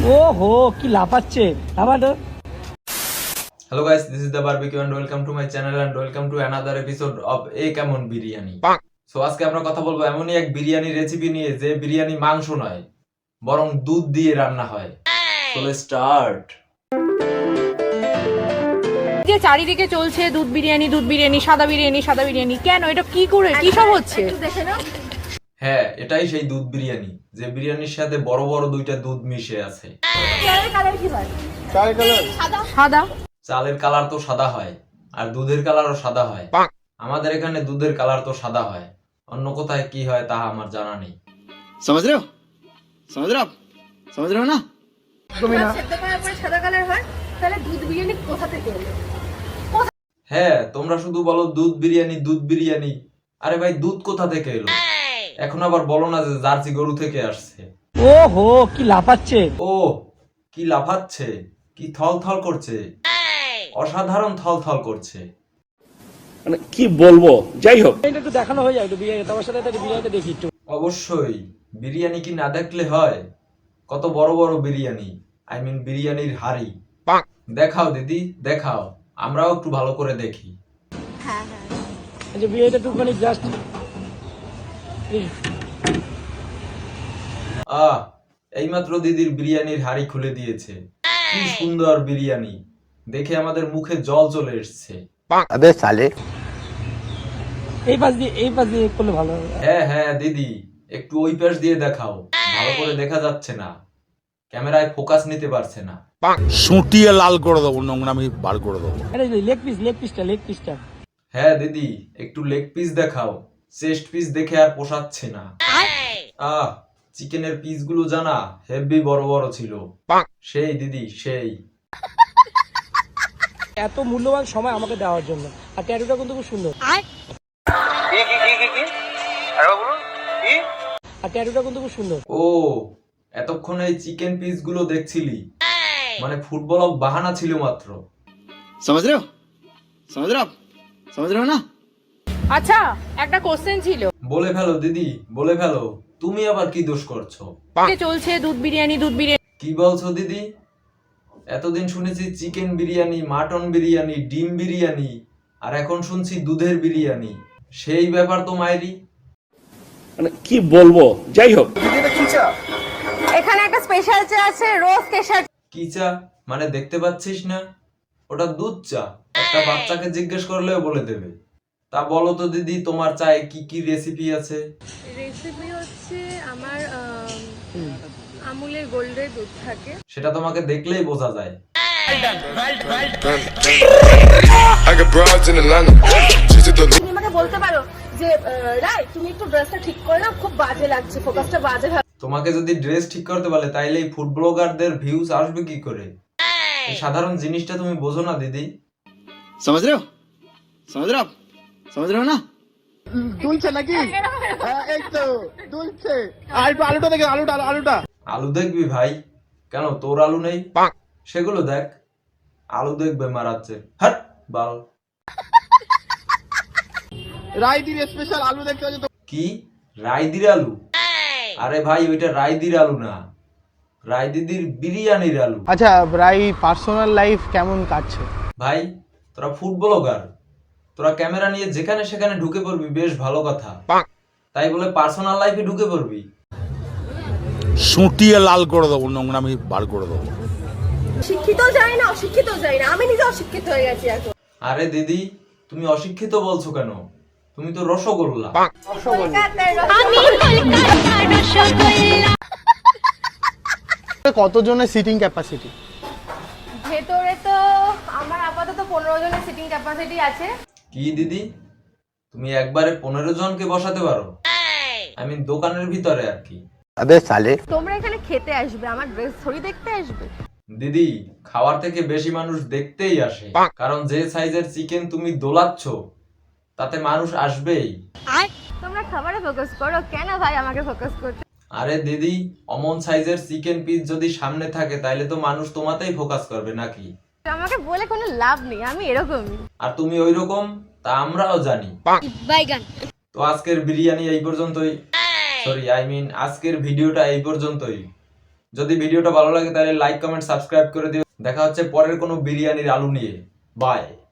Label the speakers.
Speaker 1: ওহো কি লাফাচ্ছে লাফাটো।
Speaker 2: Hello guys, this is the barbecue and welcome to my channel and welcome to another episode of A Kemon Biryani. So আজকে আমরা কথা বলবো এমনই এক বিরিয়ানি রেসিপি নিয়ে যে বিরিয়ানি মাংস নয় বরং দুধ দিয়ে রান্না হয়। So let's start.
Speaker 3: যে চারিদিকে চলছে দুধ বিরিয়ানি সাদা বিরিয়ানি কেন এটা কি করে কি সব হচ্ছে একটু দেখে নাও।
Speaker 2: হ্যাঁ, এটাই সেই দুধ বিরিয়ানি যে বিরিয়ানির সাথে বড় বড় দুইটা দুধ মিশে আছে।
Speaker 3: চালের কালার কি হয়? চালের কালার সাদা।
Speaker 2: চালের কালার তো সাদা হয় আর দুধের কালারও সাদা হয়। আমাদের এখানে দুধের কালার তো সাদা হয়, অন্য কোথায় কি হয় তা আমার জানা নেই।
Speaker 4: समझ रहे हो ना
Speaker 3: তুমি না সেদ্ধ করার পরে সাদা কালার হয়, তাহলে দুধ বিরিয়ানি কোথা থেকে এলো?
Speaker 2: হ্যাঁ, তোমরা শুধু বলো দুধ বিরিয়ানি। আরে ভাই, দুধ কোথা থেকে এলো? এখন আবার বলো না যে জার্সি গরু থেকে আসছে।
Speaker 1: ওহো কি লাফাচ্ছে।
Speaker 2: ও কি লাফাচ্ছে, কি থল করছে, অসাধারণ থল করছে।
Speaker 5: মানে কি বলবো, যাই হোক
Speaker 1: এটা একটু দেখানো হয়ে যায়, একটু বিরিয়ানি তোমার সাথে একটু বিরিয়ানিটা দেখি একটু।
Speaker 2: অবশ্যই, বিরিয়ানি কি না দেখলে হয়? কত বড় বড় বিরিয়ানি, আই মিন বিরিয়ানির হাড়ি। দেখাও দিদি দেখাও, আমরাও একটু ভালো করে দেখি।
Speaker 1: যে বিরিয়ানিটা একটু মানে জাস্ট
Speaker 2: এইমাত্র দিদির বিরিয়ানির হাড়ি খুলে দিয়েছে। কি সুন্দর বিরিয়ানি, দেখে আমাদের মুখে জল চলে এসছে।
Speaker 4: अबे साले
Speaker 1: এই পাশ দিয়ে করলে ভালো হবে।
Speaker 2: হ্যাঁ দিদি, একটু ওই পাশ দিয়ে দেখাও, ভালো করে দেখা যাচ্ছে না, ক্যামেরায় ফোকাস নিতে পারছে না।
Speaker 5: সুটিয়ে লাল করে দেবো, নোংরামি বার করে দেবো।
Speaker 1: আরে লেগ পিসটা
Speaker 2: হ্যাঁ দিদি, একটু লেগ পিস দেখাও, চেস্ট পিস দেখে আর পোষাচ্ছে না। চিকেনের পিস গুলো জানা হেভি বড় বড় ছিল। সেই দিদি সেই।
Speaker 1: এত মূল্যবান সময় আমাকে দেওয়ার জন্য, আর ট্যাটুটা কিন্তু খুব সুন্দর। আর ট্যাটুটা কিন্তু খুব সুন্দর।
Speaker 2: ও এতক্ষণ এই চিকেন পিস গুলো দেখছিলি, মানে ফুটবল বাহানা ছিল মাত্র।
Speaker 4: समझ रहे हो ना
Speaker 3: আচ্ছা একটা কোশ্চেন ছিল।
Speaker 2: বলে ফেলো দিদি বলে ফেলো, তুমি আবার কি দোষ করছো?
Speaker 3: যে চলছে দুধ বিরিয়ানি
Speaker 2: কি বলছো দিদি? এতদিন শুনেছি চিকেন বিরিয়ানি, মাটন বিরিয়ানি, ডিম বিরিয়ানি, আর এখন শুনছি দুধের বিরিয়ানি। সেই ব্যাপার তো মায়েরি।
Speaker 5: মানে কি বলবো, যাই হোক
Speaker 3: এখানে একটা স্পেশাল চা আছে, রোজ কেশর।
Speaker 2: কি চা মানে দেখতে পাচ্ছিস না? ওটা দুধ চা, একটা বাচ্চাকে জিজ্ঞেস করলেও বলে দেবে। তা বলো তো দিদি, তোমার চায়ে কি কি রেসিপি আছে?
Speaker 3: রেসিপি হচ্ছে আমার আমুলের গোল্ডের দুধ থাকে।
Speaker 2: সেটা তোমাকে দেখলেই বোঝা যায়।
Speaker 3: তুমি আমাকে বলতে পারো যে রাই তুমি একটু ড্রেসটা ঠিক করে নাও, খুব বাজে লাগছে, ফোকাসটা বাজে হবে।
Speaker 2: তোমাকে যদি ড্রেস ঠিক করতে বলে তাইলে এই ফুড ব্লগারদের ভিউজ আসবে কি করে? এই সাধারণ জিনিসটা তুমি বোঝো না দিদি।
Speaker 4: समझ रहे हो ना দুলছে নাকি এই তো দুলছে। আর একটু আলুটা দেখে, আলুটা
Speaker 2: আলু দেখবি ভাই? কেন তোর আলু নেই? সেগুলো দেখ। আলু দেখবে মারাচ্ছে, হাট বাল।
Speaker 4: রাইদির স্পেশাল আলু দেখতে হচ্ছে।
Speaker 2: কি রায়দির আলু? আরে ভাই, ওইটা রায়দির আলু না, রায়দিদির বিরিয়ানির আলু।
Speaker 6: আচ্ছা রাই পার্সোনাল লাইফ কেমন কাটছে?
Speaker 2: ভাই তোরা ফুড ব্লগার, তোরা ক্যামেরা নিয়ে যেখানে সেখানে ঢুকে পড়বি, বেশ ভালো কথা। তাই বলে পার্সোনাল লাইফে ঢুকে পড়বি?
Speaker 5: সুটিয়ে লাল করে দেবো, নোংরামি বার করে দেবো।
Speaker 3: শিক্ষিত যায় না, অশিক্ষিত যায় না, আমি নিজে অশিক্ষিত হয়ে গেছি এখন।
Speaker 2: আরে দিদি, তুমি অশিক্ষিত বলছো কেন? তুমি তো রসগোল্লা।
Speaker 6: কতজনের সিটিং ক্যাপাসিটি?
Speaker 3: ভেতরে তো আমার আপাতত 15 জনের সিটিং ক্যাপাসিটি আছে।
Speaker 2: কি দিদি, তুমি একবারে 15 জনকে বসাতে পারো? আই মিন দোকানের ভিতরে আর কি।
Speaker 4: अबे साले
Speaker 3: তোমরা এখানে খেতে আসবে, আমার ড্রেস থরি দেখতে আসবে?
Speaker 2: দিদি, খাওয়ার থেকে বেশি মানুষ দেখতেই আসে, কারণ যে সাইজের চিকেন তুমি দোলাচ্ছ তাতে মানুষ আসবেই।
Speaker 3: তোমরা খাবারে ফোকাস করো, কেন ভাই আমাকে ফোকাস করছো?
Speaker 2: আরে দিদি, অমন সাইজের চিকেন পিস যদি সামনে থাকে তাহলে তো মানুষ তোমাতেই ফোকাস করবে নাকি?
Speaker 3: আমাকে বলে কোনো লাভ নেই, আমি এরকমই।
Speaker 2: আর তুমি ওইরকম, তা আমরাও জানি। তো আজকের বিরিয়ানি এই পর্যন্তই, সরি আই মিন আজকের ভিডিওটা এই পর্যন্তই। যদি ভিডিওটা ভালো লাগে তাহলে লাইক কমেন্ট সাবস্ক্রাইব করে দিও। দেখা হচ্ছে পরের কোনো বিরিয়ানির আলু নিয়ে। বাই।